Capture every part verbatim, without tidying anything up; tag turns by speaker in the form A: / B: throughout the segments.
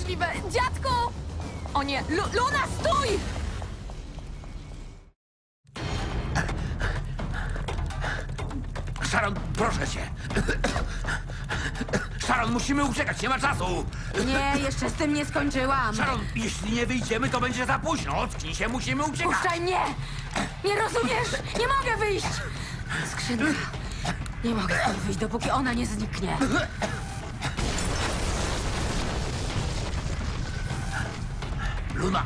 A: niemożliwe! Dziadku! O nie, Lu Luna, stój!
B: Sharon, proszę cię. Sharon, musimy uciekać, nie ma czasu.
A: Nie, jeszcze z tym nie skończyłam.
B: Sharon, jeśli nie wyjdziemy, to będzie za późno. Ocknij się, musimy uciekać.
A: Puszczaj mnie! Nie rozumiesz? Nie mogę wyjść! Skrzynka. Nie mogę stąd wyjść, dopóki ona nie zniknie.
B: Luna.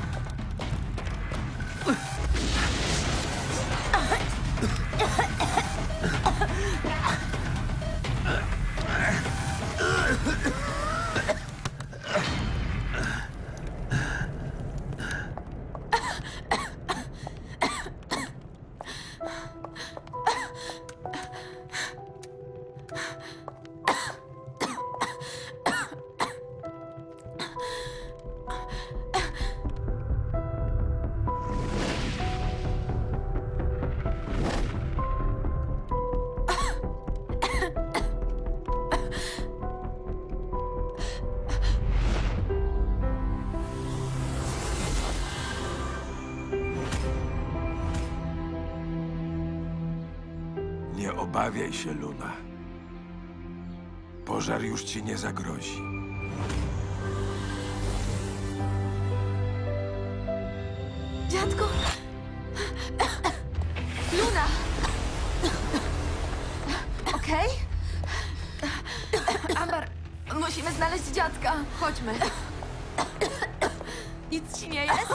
C: Nie obawiaj się, Luna. Pożar już ci nie zagrozi.
A: Dziadku! Luna! Okej? Amber, musimy znaleźć dziadka. Chodźmy. Nic ci nie jest?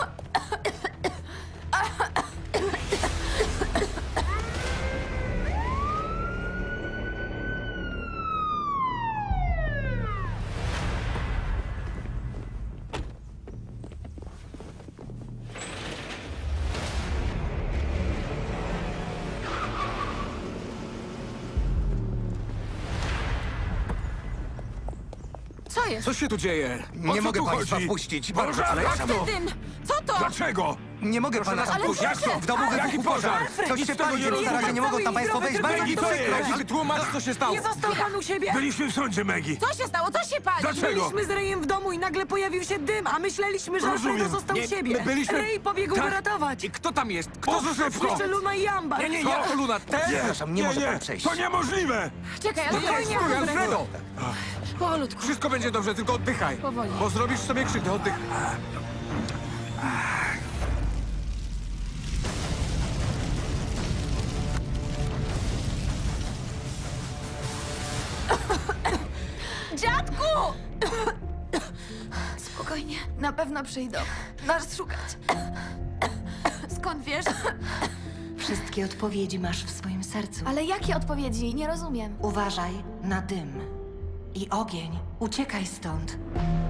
A: Co jest?
C: Co się tu dzieje? O
D: Nie
C: co
D: mogę
C: tu
D: państwa
C: chodzi?
D: wpuścić.
C: Boże,
D: Bardzo
C: ale jak
D: przepraszam.
C: to?
A: Dym! Co to?
C: Dlaczego?
D: Nie mogę pana
C: nas
D: wpuścić.
C: wpuścić.
D: W domu
C: Jaki
D: wybuchł
C: pożar?
D: pożar.
C: Alfred,
D: Coś
C: nic
D: się
C: z tego
D: pali,
C: nie
D: na razie
C: rozumiem.
D: nie mogą tam
A: Cały
D: państwo
A: zdrowy
D: wejść. Bardzo
C: Maggie,
D: mi to
C: co
D: przykro.
C: jest? Maggie, tłumacz, co się stało.
E: Nie został pan u siebie?
C: Byliśmy w sądzie, Maggie.
A: Co się stało? Co się pali?
C: Dlaczego?
E: Byliśmy z Rayem w domu i nagle pojawił się dym, a myśleliśmy, że Alfredo
C: Rozumiem.
E: został
C: Nie,
E: u siebie.
C: my byliśmy-
E: Ray pobiegł
C: Tak.
E: go ratować.
C: I kto tam jest? Kto za szybko?
E: Jeszcze Luna i Amber.
C: Nie, nie, jak to Luna? Te?
D: Przepraszam, nie może pan przejść.
C: To niemożliwe!
A: Czekaj, ale spokojnie,
C: Stój, Alfredo!
A: Powolutku.
C: Wszystko będzie dobrze, tylko oddychaj.
A: Powoli.
C: Bo zrobisz sobie krzywdę, oddychaj.
A: Dziadku! Spokojnie, na pewno przyjdą. Nas szukać. Skąd wiesz?
F: Wszystkie odpowiedzi masz w swoim sercu.
A: Ale jakie odpowiedzi? Nie rozumiem.
F: Uważaj na dym i ogień. Uciekaj stąd.